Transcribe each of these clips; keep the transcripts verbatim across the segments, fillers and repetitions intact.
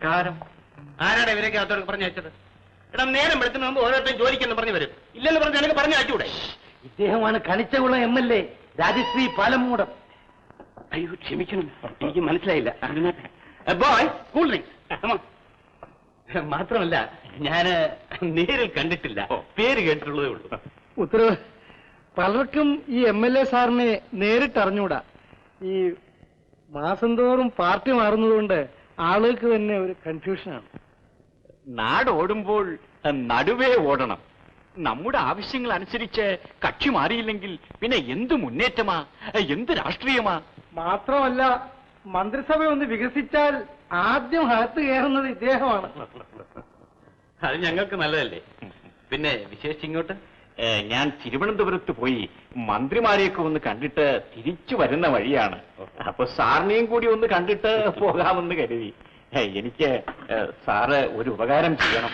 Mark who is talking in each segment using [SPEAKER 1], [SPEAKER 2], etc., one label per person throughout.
[SPEAKER 1] നമസ്കാരം.
[SPEAKER 2] ആരാടെ ഇവരൊക്കെ അകത്തോട് പറഞ്ഞു വെച്ചത്? എടാ നേരം വെളുത്തിന് മുമ്പ് ഓരോരുത്തരും ജോലിക്കെന്ന് പറഞ്ഞു വരും. ഇല്ലെന്ന് പറഞ്ഞ് എനിക്ക് പറഞ്ഞു അയച്ചൂടെ?
[SPEAKER 1] ഇദ്ദേഹമാണ് Kanichakulam M L A Rajasree Palamoodam.
[SPEAKER 2] അയ്യോ ക്ഷമിക്കണം, എനിക്ക് മനസ്സിലായില്ല. Boy cool drinks. മാത്രമല്ല ഞാന് നേരിൽ കണ്ടിട്ടില്ല, പേര് കേട്ടിട്ടുള്ളതേ ഉള്ളൂ.
[SPEAKER 3] ഉത്തരവ്, പലർക്കും ഈ എം എൽ എ സാറിനെ നേരിട്ട് അറിഞ്ഞൂടാ. ഈ മാസം തോറും പാർട്ടി മാറുന്നതുകൊണ്ട് ആളുകൾക്ക് തന്നെ ഒരു കൺഫ്യൂഷനാണ്.
[SPEAKER 1] നാട് ഓടുമ്പോൾ നടുവേ ഓടണം. നമ്മുടെ ആവശ്യങ്ങൾ അനുസരിച്ച് കക്ഷി മാറിയില്ലെങ്കിൽ പിന്നെ എന്ത് മുന്നേറ്റമാ, എന്ത് രാഷ്ട്രീയമാ. മാത്രമല്ല, മന്ത്രിസഭ ഒന്ന് വികസിച്ചാൽ ആദ്യം അകത്ത് കയറുന്നത് ഇദ്ദേഹമാണ്.
[SPEAKER 2] അത് ഞങ്ങൾക്ക് നല്ലതല്ലേ. പിന്നെ വിശേഷിച്ച് ഇങ്ങോട്ട്
[SPEAKER 1] ഞാൻ തിരുവനന്തപുരത്ത് പോയി മന്ത്രിമാരെയൊക്കെ ഒന്ന് കണ്ടിട്ട് തിരിച്ചു വരുന്ന വഴിയാണ്. അപ്പൊ സാറിനെയും കൂടി ഒന്ന് കണ്ടിട്ട് പോകാമെന്ന് കരുതി. എനിക്ക് സാറ് ഒരു ഉപകാരം ചെയ്യണം.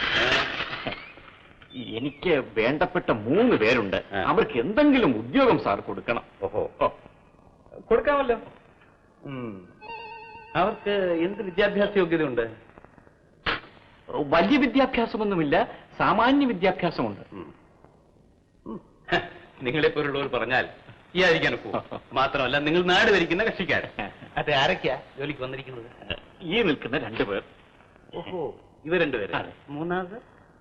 [SPEAKER 1] എനിക്ക് വേണ്ടപ്പെട്ട മൂന്ന് പേരുണ്ട്. അവർക്ക് എന്തെങ്കിലും ഉദ്യോഗം സാർ കൊടുക്കണം.
[SPEAKER 2] ഓഹോ, കൊടുക്കാമല്ലോ. അവർക്ക് എന്ത് വിദ്യാഭ്യാസ യോഗ്യത ഉണ്ട്?
[SPEAKER 1] വലിയ വിദ്യാഭ്യാസമൊന്നുമില്ല, സാമാന്യ വിദ്യാഭ്യാസമുണ്ട്.
[SPEAKER 2] നിങ്ങളെപ്പോലുള്ളവർ പറഞ്ഞാൽ ചെയ്യാതിരിക്കാൻ പോകും. മാത്രമല്ല നിങ്ങൾ നാട് ഭരിക്കുന്ന കക്ഷിക്കാരൻ. അതെ, ആരൊക്കെയാ ജോലിക്ക് വന്നിരിക്കുന്നത്?
[SPEAKER 1] ഈ നിൽക്കുന്ന രണ്ടുപേർ.
[SPEAKER 2] ഓഹോ, ഇവ രണ്ടുപേര്. മൂന്നാമത്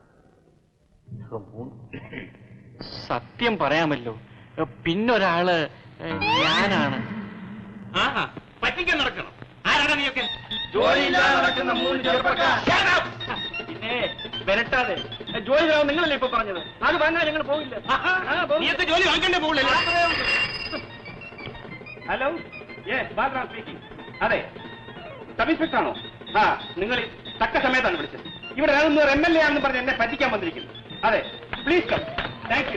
[SPEAKER 1] സത്യം പറയാമല്ലോ, പിന്നൊരാള് ഞാനാണ്.
[SPEAKER 2] ആഹാ, പറ്റിക്കാൻ നടക്കണം. ആരാണ് നീയൊക്കെ?
[SPEAKER 1] ജോലിയില്ലാതെ നടക്കുന്ന മൂന്ന് ചെറുപ്പക്കാർ.
[SPEAKER 2] പിന്നെ വരട്ടാതെ ജോലി നിങ്ങളല്ലേ ഇപ്പൊ പറഞ്ഞത്? അത് വാങ്ങാൻ ഞങ്ങൾ പോകില്ല. നീയൊക്കെ ജോലി വാങ്ങണ്ടേ പോകില്ല. Hello, Balaram speaking. അതെ, സബ് ഇൻസ്പെക്ടർ ആണോ? ആ, നിങ്ങൾ തക്ക സമയത്താണ് വിളിച്ചത്. ഇവിടെ എം എൽ എ ആണെന്ന് പറഞ്ഞ് എന്നെ പറ്റിക്കാൻ വന്നിരിക്കുന്നു. അതെ, പ്ലീസ് കം. Thank you.